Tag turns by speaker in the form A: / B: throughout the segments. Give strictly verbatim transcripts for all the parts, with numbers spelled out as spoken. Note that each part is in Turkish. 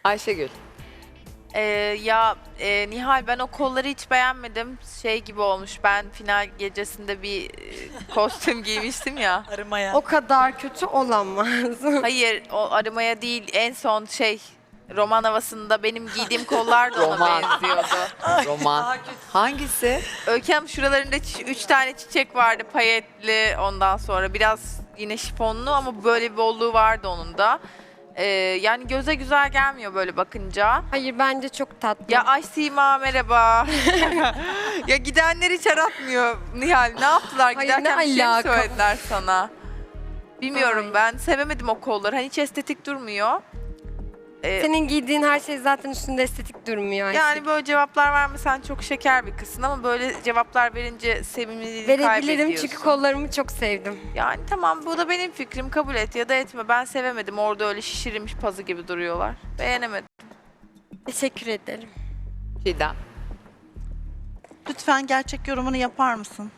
A: Ayşegül.
B: Ee, ya e, Nihal ben o kolları hiç beğenmedim. Şey gibi olmuş. Ben final gecesinde bir e, kostüm giymiştim ya.
C: Arımaya.
D: O kadar kötü olamaz.
B: Hayır, o arımaya değil. En son şey roman havasında benim giydiğim kollar da ona
A: Roman.
B: benziyordu.
A: Roman. Hangisi?
B: Öykü Hanım şuralarında çi- üç tane çiçek vardı payetli, ondan sonra biraz yine şifonlu ama böyle bir bolluğu vardı onun da. Ee, yani göze güzel gelmiyor böyle bakınca.
D: Hayır bence çok tatlı.
B: Ya ay Sima merhaba. Ya gidenler hiç aratmıyor Nihal. Ne yaptılar?
D: Hayır,
B: Giderken
D: ne
B: bir şey mi
D: alaka?
B: söylediler sana? Bilmiyorum
D: Ay.
B: ben. Sevemedim o kolları. Hani hiç estetik durmuyor. Ee,
D: Senin giydiğin her şey zaten üstünde estetik durmuyor. Ayşe.
B: yani böyle cevaplar vermesen çok şeker bir kızsın ama böyle cevaplar verince sevimliliğini
D: Verebilirim
B: kaybediyorsun.
D: çünkü kollarımı çok sevdim.
B: Yani tamam bu da benim fikrim, kabul et ya da etme. Ben sevemedim. Orada öyle şişirilmiş pazı gibi duruyorlar. Beğenemedim.
D: Teşekkür ederim.
A: Çiğdem.
C: Lütfen gerçek yorumunu yapar mısın?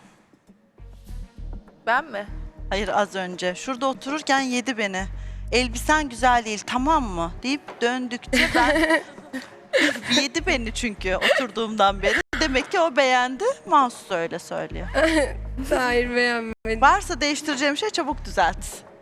B: Ben mi?
C: Hayır az önce. Şurada otururken yedi beni. Elbisen güzel değil tamam mı? Deyip döndükçe ben yedi beni çünkü oturduğumdan beri. Demek ki o beğendi. Mahsus öyle söylüyor.
D: Hayır beğenmedim.
C: Varsa değiştireceğim şey çabuk düzelt.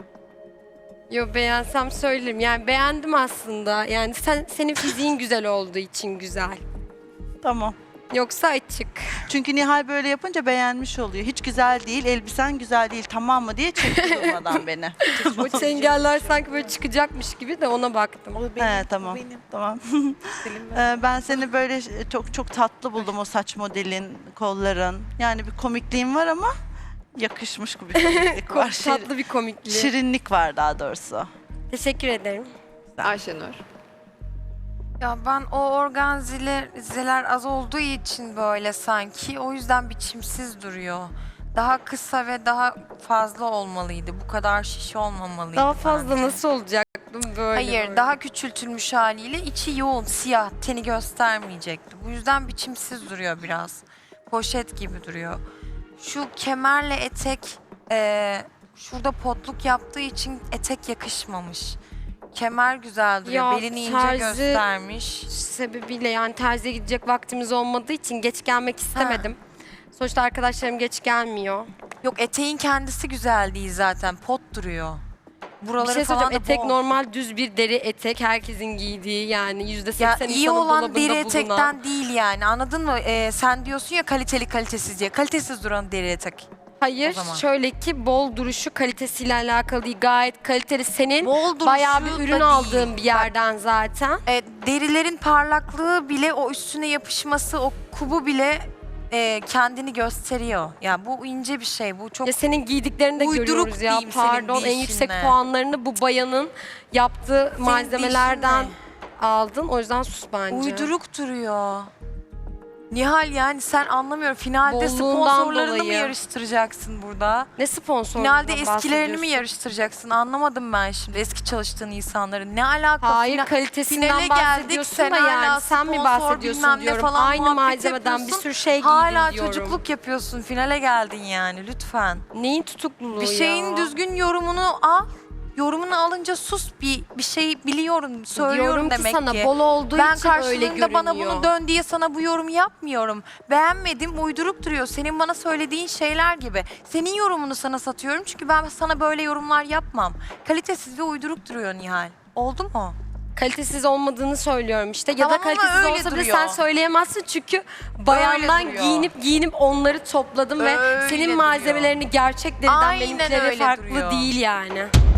D: Yo beğensem söylerim. Yani beğendim aslında. Yani sen senin fiziğin güzel olduğu için güzel.
C: Tamam.
D: Yoksa açık.
C: Çünkü Nihal böyle yapınca beğenmiş oluyor. Hiç güzel değil, elbisen güzel değil tamam mı diye çekti durmadan beni.
D: O çengeller sanki böyle çıkacakmış gibi de ona baktım.
C: He tamam. Tamam. Ee, ben seni böyle çok çok tatlı buldum o saç modelin, kolların. Yani bir komikliğin var ama yakışmış gibi bir komiklik var.
D: Çok tatlı bir komikliği.
C: Şirinlik var daha doğrusu.
D: Teşekkür ederim.
A: Ayşenur.
E: Ya ben o organzeler az olduğu için böyle sanki o yüzden biçimsiz duruyor. Daha kısa ve daha fazla olmalıydı. Bu kadar şiş olmamalıydı.
D: Daha fazla
E: bence.
D: nasıl olacaktım böyle?
E: Hayır,
D: böyle.
E: daha küçültülmüş haliyle içi yoğun, siyah, teni göstermeyecekti. Bu yüzden biçimsiz duruyor biraz. Poşet gibi duruyor. Şu kemerle etek, eee, şurada potluk yaptığı için etek yakışmamış. Kemer güzel duruyor,
D: Ya,
E: belini ince
D: terzi-
E: göstermiş.
D: Sebebiyle yani terziye gidecek vaktimiz olmadığı için geç gelmek istemedim. Sonuçta arkadaşlarım geç gelmiyor.
E: Yok, eteğin kendisi güzel değil zaten, pot duruyor. Buraları
D: Bir şey
E: falan
D: söyleyeceğim.
E: da
D: Etek
E: bol.
D: normal düz bir deri etek. Herkesin giydiği yani yüzde
E: Ya
D: seksen
E: iyi
D: insanın
E: olan
D: dolabında
E: deri
D: bulunan.
E: etekten değil yani, anladın mı? Ee, sen diyorsun ya kaliteli kalitesiz diye. Kalitesiz duran deri etek.
D: Hayır
E: o zaman.
D: şöyle ki bol duruşu kalitesiyle alakalı değil. Gayet kaliteli. Senin
E: Bol duruşu
D: bayağı bir
E: da
D: ürün
E: değil.
D: aldığın bir
E: Bak,
D: yerden zaten.
E: e, derilerin parlaklığı bile, o üstüne yapışması, o kubu bile e, kendini gösteriyor. Ya bu ince bir şey. Bu çok
D: Ya senin giydiklerini de
E: uyduruk
D: görüyoruz ya.
E: diyeyim senin
D: Pardon en yüksek
E: deyişinle.
D: puanlarını bu bayanın yaptığı
E: Senin
D: malzemelerden
E: deyişinle.
D: aldın. O yüzden sus bence.
E: uyduruk duruyor. Nihal yani sen anlamıyorum. Finalde
D: Bolluğundan
E: sponsorlarını mı
D: dolayı.
E: yarıştıracaksın burada?
D: Ne sponsor?
E: Finalde eskilerini mi yarıştıracaksın? Anlamadım ben şimdi eski çalıştığın insanları. Ne alaka?
D: Hayır
E: Final-
D: kalitesinden
E: finale geldik,
D: bahsediyorsun
E: sen
D: da yani
E: hala
D: sen mi
E: sponsor
D: bahsediyorsun
E: bilmem ne
D: diyorum.
E: falan
D: Aynı
E: muhabbet
D: malzemeden bir
E: yapıyorsun.
D: sürü şey giydin
E: Hala
D: diyorum.
E: çocukluk yapıyorsun. Finale geldin yani lütfen.
D: Neyin tutukluluğu
E: Bir şeyin
D: ya?
E: düzgün yorumunu al. Yorumunu alınca sus, bir bir şey biliyorum, söylüyorum
D: Diyorum ki
E: demek
D: sana
E: ki.
D: bol olduğu
E: Ben
D: için öyle
E: karşılığında
D: görünüyor.
E: bana bunu dön diye sana bu yorumu yapmıyorum. Beğenmedim, uyduruk duruyor. Senin bana söylediğin şeyler gibi. Senin yorumunu sana satıyorum çünkü ben sana böyle yorumlar yapmam. Kalitesiz ve uyduruk duruyor Nihal. Oldu mu?
D: Kalitesiz olmadığını söylüyorum işte. Ya
E: Tamam
D: da
E: ama
D: kalitesiz
E: öyle
D: olsa bile
E: duruyor.
D: sen söyleyemezsin çünkü bayandan
E: duruyor.
D: giyinip giyinip onları topladım ve
E: Öyle
D: senin
E: duruyor.
D: malzemelerini gerçek deriden
E: Aynen
D: benimkileri
E: öyle
D: farklı
E: duruyor.
D: değil yani.